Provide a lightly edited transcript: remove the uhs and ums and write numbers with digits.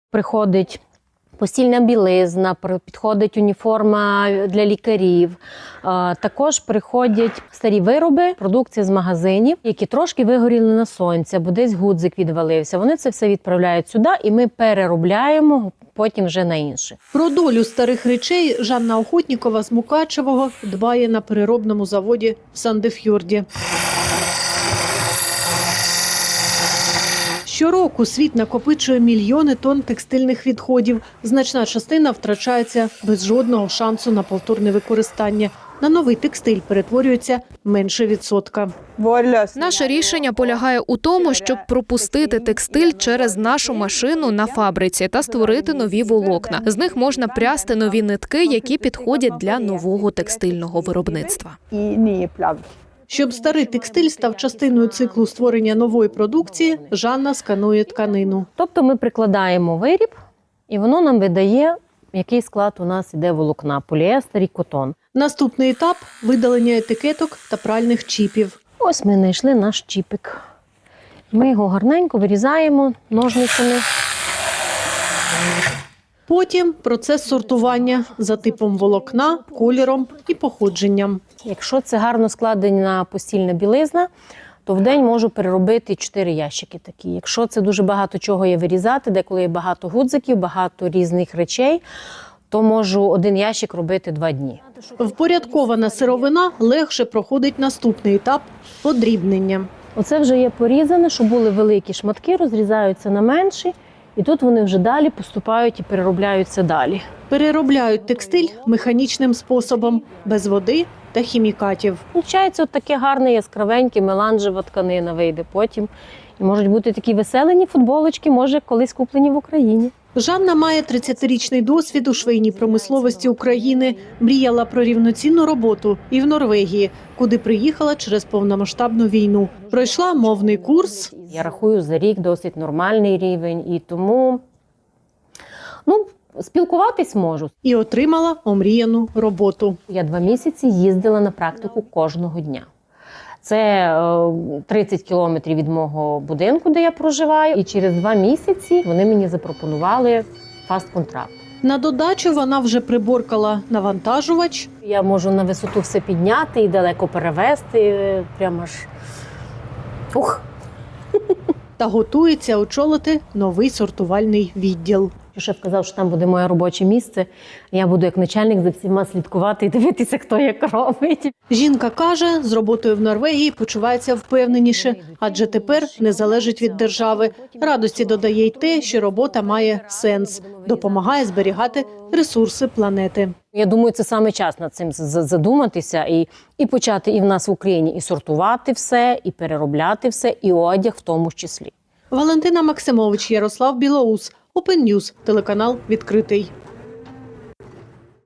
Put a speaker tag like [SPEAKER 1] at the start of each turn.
[SPEAKER 1] Приходить постільна білизна, підходить уніформа для лікарів. Також приходять старі вироби, продукція з магазинів, які трошки вигоріли на сонці, або десь гудзик відвалився. Вони це все відправляють сюди, і ми переробляємо потім вже на інше.
[SPEAKER 2] Про долю старих речей Жанна Охотнікова з Мукачевого дбає на переробному заводі в Сандеф'юрді. Щороку світ накопичує мільйони тонн текстильних відходів. Значна частина втрачається без жодного шансу на повторне використання. На новий текстиль перетворюється менше відсотка.
[SPEAKER 3] Наше рішення полягає у тому, щоб пропустити текстиль через нашу машину на фабриці та створити нові волокна. З них можна прясти нові нитки, які підходять для нового текстильного виробництва.
[SPEAKER 2] Щоб старий текстиль став частиною циклу створення нової продукції, Жанна сканує тканину.
[SPEAKER 1] Тобто ми прикладаємо виріб, і воно нам видає, який склад у нас іде волокна – поліестер і котон.
[SPEAKER 2] Наступний етап – видалення етикеток та пральних чіпів.
[SPEAKER 1] Ось ми знайшли наш чіпик. Ми його гарненько вирізаємо ножницями.
[SPEAKER 2] Потім процес сортування за типом волокна, кольором і походженням.
[SPEAKER 1] Якщо це гарно складена постільна білизна, то в день можу переробити 4 ящики такі. Якщо це дуже багато чого є вирізати, деколи є багато гудзиків, багато різних речей, то можу 1 ящик робити 2 дні.
[SPEAKER 2] Впорядкована сировина легше проходить наступний етап – подрібнення.
[SPEAKER 1] Оце вже є порізане, щоб були великі шматки, розрізаються на менші, і тут вони вже далі поступають і переробляються далі.
[SPEAKER 2] Переробляють текстиль механічним способом, без води та хімікатів.
[SPEAKER 1] Получається от таке гарне, яскравеньке, меланжева тканина вийде потім. І можуть бути такі веселені футболочки, може, колись куплені в Україні.
[SPEAKER 2] Жанна має 30-річний досвід у швейній промисловості України. Мріяла про рівноцінну роботу і в Норвегії, куди приїхала через повномасштабну війну. Пройшла мовний курс.
[SPEAKER 1] Я рахую, за рік досить нормальний рівень, і тому спілкуватись можу.
[SPEAKER 2] І отримала омріяну роботу.
[SPEAKER 1] Я 2 місяці їздила на практику кожного дня. Це 30 кілометрів від мого будинку, де я проживаю. І через 2 місяці вони мені запропонували фаст-контракт.
[SPEAKER 2] На додачу вона вже приборкала навантажувач.
[SPEAKER 1] Я можу на висоту все підняти і далеко перевезти. Прямо аж... Ух!
[SPEAKER 2] Та готується очолити новий сортувальний відділ.
[SPEAKER 1] Шеф казав, що там буде моє робоче місце. Я буду як начальник за всіма слідкувати і дивитися, хто як робить.
[SPEAKER 2] Жінка каже, з роботою в Норвегії почувається впевненіше, адже тепер не залежить від держави. Радості додає й те, що робота має сенс, допомагає зберігати ресурси планети.
[SPEAKER 1] Я думаю, це саме час над цим задуматися і почати і в нас в Україні і сортувати все, і переробляти все, і одяг в тому числі.
[SPEAKER 2] Валентина Максимович, Ярослав Білоус, Open News, телеканал «Відкритий».